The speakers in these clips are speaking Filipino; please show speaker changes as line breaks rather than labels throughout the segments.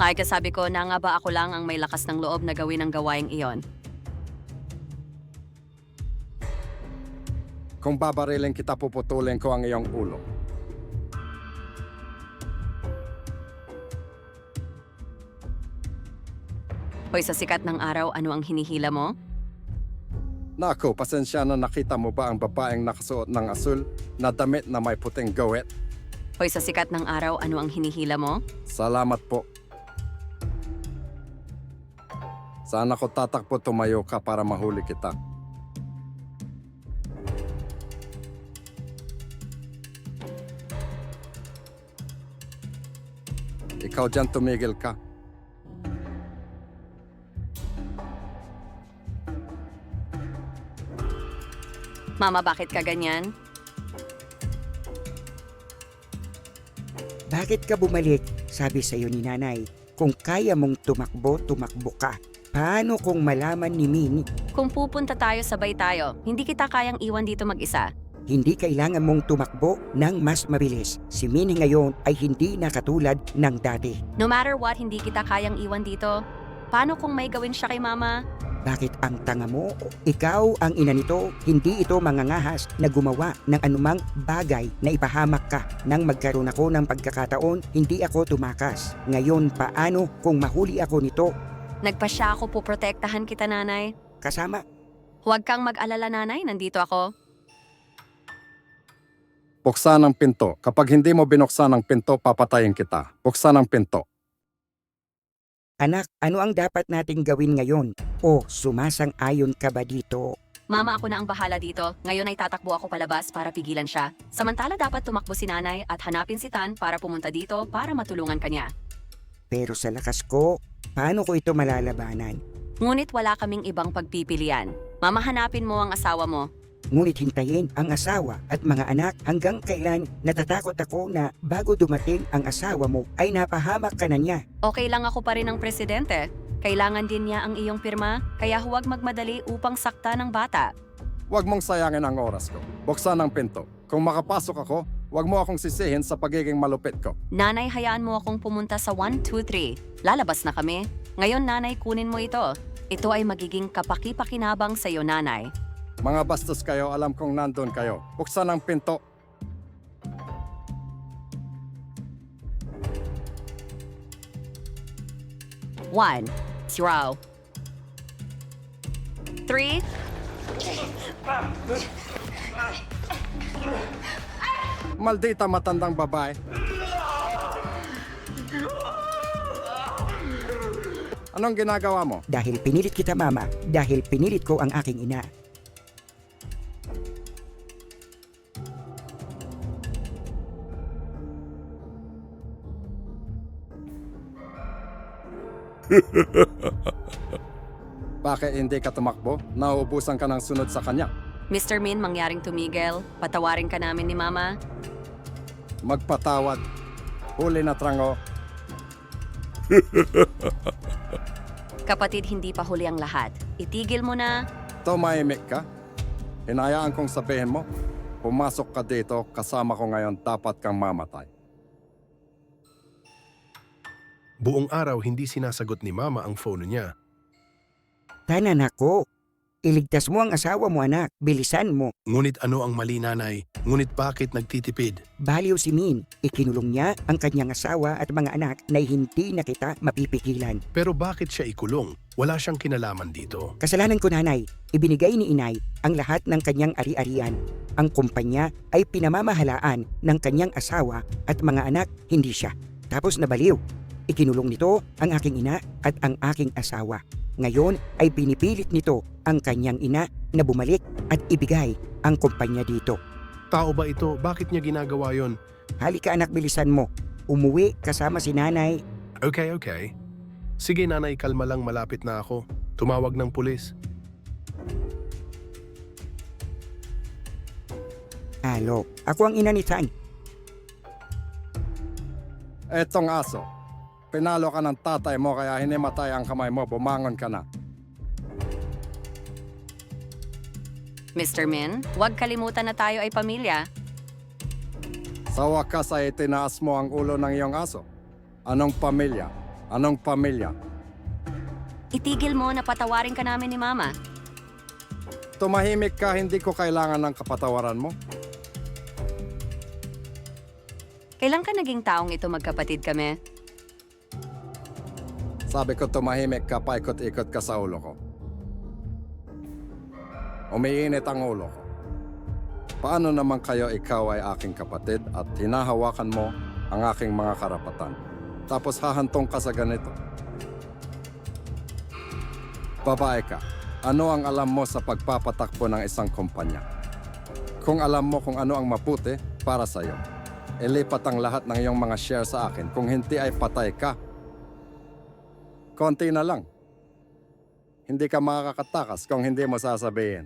Ay kasabi ko na nga ba ako lang ang may lakas ng loob na gawin ang gawaing iyon.
Kung babarilin kita, puputulin ko ang iyong ulo.
Hoy sa sikat ng araw, ano ang hinihila mo?
Nako, pasensya na, nakita mo ba ang babaeng nakasuot ng asul na damit na may puting gawet?
Hoy sa sikat ng araw, ano ang hinihila mo?
Salamat po. Saan ako tatakbo, tumayo ka para mahuli kita. Ikaw dyan, tumigil ka.
Mama, bakit ka ganyan?
Bakit ka bumalik? Sabi sa'yo ni nanay, kung kaya mong tumakbo, tumakbo ka. Paano kung malaman ni Min,
Kung pupunta tayo, sabay tayo. Hindi kita kayang iwan dito mag-isa.
hindi kailangan mong tumakbo ng mas mabilis. Si Min ngayon ay hindi na katulad ng dati.
No matter what, hindi kita kayang iwan dito. Paano kung may gawin siya kay Mama?
Bakit ang tanga mo? Ikaw ang ina nito, hindi ito mangangahas na gumawa ng anumang bagay na ipahamak ka. Nang magkaroon ako ng pagkakataon, hindi ako tumakas. Ngayon, paano kung mahuli ako nito?
Nagpasya ako, poprotektahan kita, nanay.
Kasama,
Huwag kang mag-alala, nanay. Nandito ako.
Buksan ang pinto. Kapag hindi mo binuksan ang pinto, papatayin kita. Buksan ang pinto.
anak, ano ang dapat nating gawin ngayon? O sumasang-ayon ka ba dito?
Mama, ako na ang bahala dito. Ngayon ay tatakbo ako palabas para pigilan siya. Samantala dapat tumakbo si nanay at hanapin si Tan para pumunta dito para matulungan kanya.
Pero sa lakas ko, paano ko ito malalabanan?
Ngunit wala kaming ibang pagpipilian. Mama, hanapin mo ang asawa mo.
Ngunit hintayin ang asawa at mga anak hanggang kailan natatakot ako na bago dumating ang asawa mo ay napahamak ka na niya.
Okay lang ako pa rin ang presidente. Kailangan din niya ang iyong pirma, kaya huwag magmadali upang sakta ng bata.
Huwag mong sayangin ang oras ko. Buksan ang pinto. Kung makapasok ako, huwag mo akong sisihin sa pagiging malupit ko.
Nanay, hayaan mo akong pumunta sa 1, 2, 3. Lalabas na kami. Ngayon, nanay, kunin mo ito. Ito ay magiging kapaki-pakinabang sa iyo, nanay.
Mga bastos kayo, alam kong nandun kayo. Buksan ang pinto.
One, 0, 3.
Maldita matandang babae. Anong ginagawa mo?
Dahil pinilit kita mama, dahil pinilit ko ang aking ina.
Bakit hindi ka tumakbo? Nauubusan ka ng sunod sa kanya.
Mr. Min, mangyaring tumigil. Patawarin ka namin ni Mama.
Magpatawad. Huli na trango.
Kapatid, hindi pa huli ang lahat. Itigil mo na.
Tumahimik ka. Hinayaan kong sabihin mo, pumasok ka dito, kasama ko ngayon, dapat kang mamatay.
Buong araw hindi sinasagot ni Mama ang phone niya.
Tanan ako. Iligtas mo ang asawa mo anak, bilisan mo.
Ngunit ano ang mali nanay? Ngunit bakit nagtitipid?
Baliw si Min, ikinulong niya ang kanyang asawa at mga anak na hindi na kita mapipigilan.
Pero bakit siya ikulong? Wala siyang kinalaman dito.
Kasalanan ko nanay, ibinigay ni inay ang lahat ng kanyang ari-arian. Ang kumpanya ay pinamamahalaan ng kanyang asawa at mga anak, hindi siya. Tapos nabaliw. Ikinulong nito ang aking ina at ang aking asawa. Ngayon ay pinipilit nito ang kanyang ina na bumalik at ibigay ang kumpanya dito.
Tao ba ito? Bakit niya ginagawa yon?
Halika anak, bilisan mo. Umuwi kasama si nanay.
Okay. Sige nanay, kalma lang, malapit na ako. Tumawag ng pulis.
Halo, ako ang ina ni Tan.
Etong aso. Pinalo ka ng tatay mo kaya hinimatay ang kamay mo, bumangon ka na.
Mr. Min, huwag kalimutan na tayo ay pamilya.
Sa wakas ay tinaas mo ang ulo ng iyong aso. Anong pamilya? Anong pamilya?
Itigil mo na patawarin ka namin ni Mama.
Tumahimik ka, hindi ko kailangan ng kapatawaran mo.
Kailan ka naging taong ito magkapatid kami?
Sabi ko tumahimik ka, paikot-ikot ka sa ulo ko. Umiinit ang ulo ko. Paano naman kayo ikaw ay aking kapatid at hinahawakan mo ang aking mga karapatan? Tapos hahantong ka sa ganito. Babae ka, ano ang alam mo sa pagpapatakbo ng isang kumpanya? Kung alam mo kung ano ang maputi para sa iyo, ilipat ang lahat ng iyong mga share sa akin. Kung hindi ay patay ka. Konti na lang. Hindi ka makakatakas kung hindi mo sasabihin.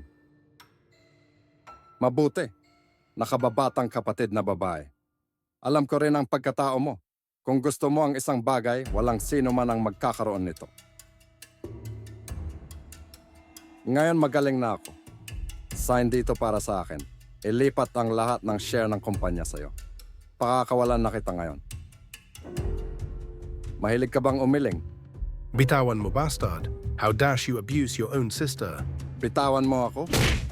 Mabuti, nakababatang kapatid na babae. Alam ko rin ang pagkatao mo. Kung gusto mo ang isang bagay, walang sino man ang magkakaroon nito. Ngayon magaling na ako. Sign dito para sa akin. Ilipat ang lahat ng share ng kumpanya sa'yo. Pakakawalan na kita ngayon. Mahilig ka bang umiling?
Bitawan mo, bastard. How dare you abuse your own sister?
Bitawan mo ako?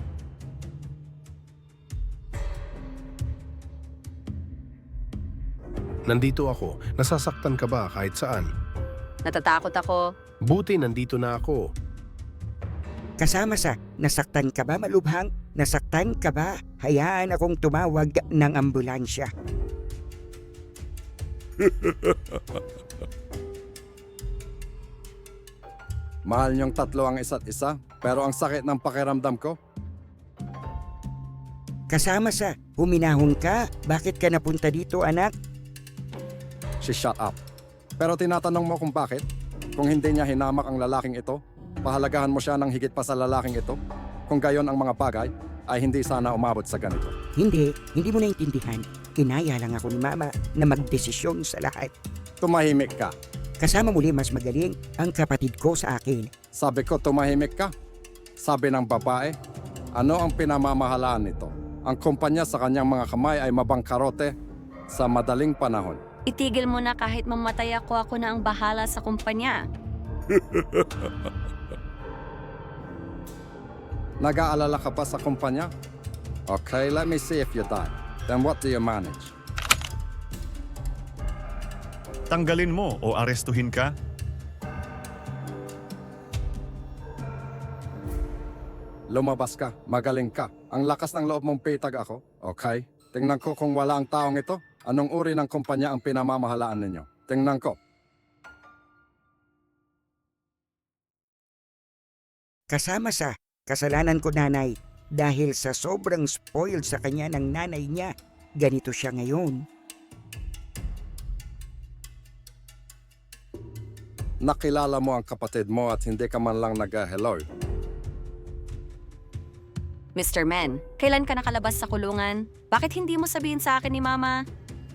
Nandito ako. Nasasaktan ka ba kahit saan?
Natatakot ako.
Buti nandito na ako.
Kasama sa nasaktan ka ba malubhang? Nasaktan ka ba? Hayaan akong tumawag ng ambulansya.
Mahal niyong tatlo ang isa't isa, pero ang sakit ng pakiramdam ko,
Kasama sa huminahon ka? Bakit ka napunta dito, anak?
she shut up. Pero tinatanong mo kung bakit? Kung hindi niya hinamak ang lalaking ito, pahalagahan mo siya ng higit pa sa lalaking ito? Kung gayon ang mga bagay, ay hindi sana umabot sa ganito.
Hindi mo naintindihan. Inaya lang ako ni Mama na magdesisyon sa lahat.
Tumahimik ka.
Kasama muli mas magaling ang kapatid ko sa akin.
Sabi ko tumahimik ka. Sabi ng babae, ano ang pinamamahalaan nito? Ang kumpanya sa kanyang mga kamay ay mabangkarote sa madaling panahon.
Itigil mo na kahit mamatay ako na ang bahala sa kumpanya.
Nag-aalala ka pa sa kumpanya? Okay, let me see if you die. Then what do you manage?
Tanggalin mo o arestuhin ka?
Lumabas ka, magaling ka. Ang lakas ng loob mong pitag ako. Okay? Tingnan ko kung wala ang taong ito. Anong uri ng kumpanya ang pinamamahalaan ninyo? Tingnan ko.
Kasama sa kasalanan ko, nanay. Dahil sa sobrang spoiled sa kanya ng nanay niya, ganito siya ngayon.
Nakilala mo ang kapatid mo at hindi ka man lang nag-hello.
Mr. Men, kailan ka nakalabas sa kulungan? Bakit hindi mo sabihin sa akin ni Mama?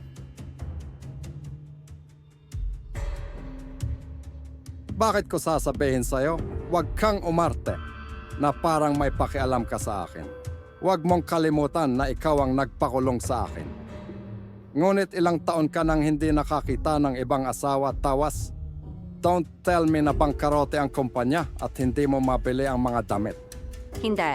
Bakit ko sasabihin sa'yo? Huwag kang umarte na parang may pakialam ka sa akin. Huwag mong kalimutan na ikaw ang nagpakulong sa akin. Ngunit ilang taon ka nang hindi nakakita ng ibang asawa at tawas. Don't tell me na bangkarote ang kumpanya at hindi mo mabili ang mga damit.
Hindi.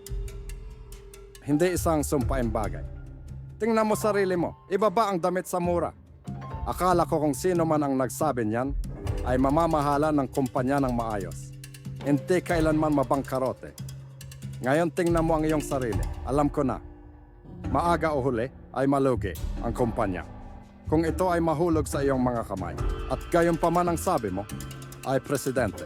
Hindi isang sumpaing bagay. Tingnan mo sarili mo, ibaba ang damit sa mura. Akala ko kung sino man ang nagsabi niyan ay mamamahala ng kumpanya ng maayos. Hindi kailanman mabangkarote. Ngayon tingnan mo ang iyong sarili. Alam ko na, maaga o huli ay malugi ang kumpanya. Kung ito ay mahulog sa iyong mga kamay. At gayon pa man ang sabi mo, ay presidente.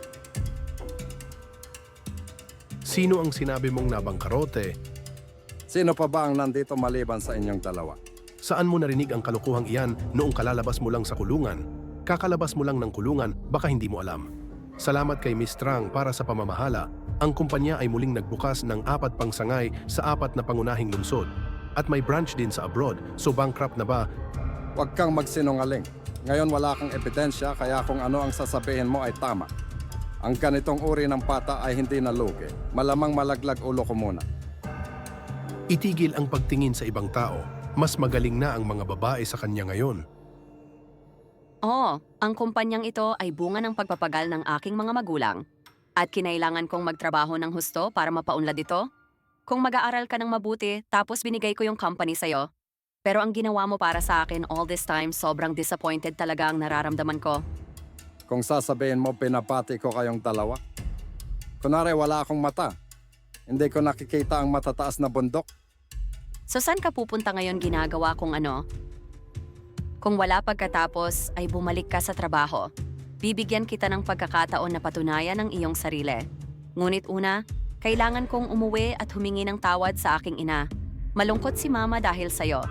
Sino ang sinabi mong nabangkarote?
Sino pa ba ang nandito maliban sa inyong dalawa?
Saan mo narinig ang kalukuhang iyan noong kalalabas mo lang sa kulungan? Kakalabas mo lang ng kulungan, baka hindi mo alam. Salamat kay Miss Trang para sa pamamahala. Ang kumpanya ay muling nagbukas ng 4 pang sangay sa 4 na pangunahing lungsod. At may branch din sa abroad, so bankrupt na ba?
Huwag kang magsinungaling. Ngayon wala kang ebidensya kaya kung ano ang sasabihin mo ay tama. Ang ganitong uri ng pata ay hindi nalugi. Malamang malaglag ulo ko muna.
Itigil ang pagtingin sa ibang tao. Mas magaling na ang mga babae sa kanya ngayon.
Oo, ang kumpanyang ito ay bunga ng pagpapagal ng aking mga magulang. At kinailangan kong magtrabaho ng husto para mapaunlad ito. Kung mag-aaral ka ng mabuti, tapos binigay ko yung company sa'yo. Pero ang ginawa mo para sa akin all this time, sobrang disappointed talaga ang nararamdaman ko.
Kung sasabihin mo pinapati ko kayong dalawa, kunwari wala akong mata. Hindi ko nakikita ang matataas na bundok.
So saan ka pupunta ngayon ginagawa kung ano? Kung wala pagkatapos, ay bumalik ka sa trabaho. Bibigyan kita ng pagkakataon na patunayan ang iyong sarili. Ngunit una, kailangan kong umuwi at humingi ng tawad sa aking ina. Malungkot si mama dahil sa'yo.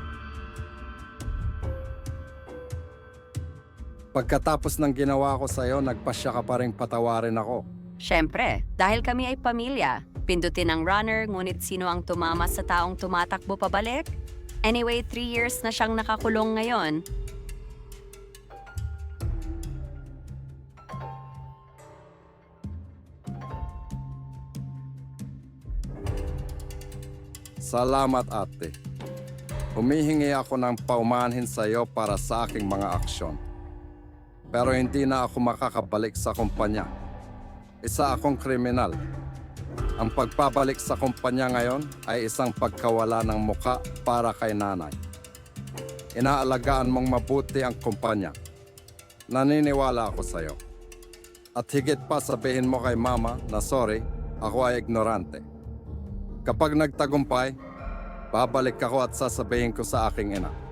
Pagkatapos ng ginawa ko sa'yo, nagpasya ka pa rin patawarin ako.
Siyempre, dahil kami ay pamilya. Pindutin ang runner, ngunit sino ang tumama sa taong tumatakbo pabalik? Anyway, 3 years na siyang nakakulong ngayon.
Salamat ate. Humihingi ako ng paumanhin sa iyo para sa aking mga aksyon. Pero hindi na ako makakabalik sa kumpanya. Isa akong kriminal. Ang pagpabalik sa kumpanya ngayon ay isang pagkawala ng muka para kay nanay. Inaalagaan mong mabuti ang kumpanya. Naniniwala ako sa iyo. At higit pa sabihin mo kay mama na sorry, ako ay ignorante. Kapag nagtagumpay, babalik ako at sasabihin ko sa aking ina.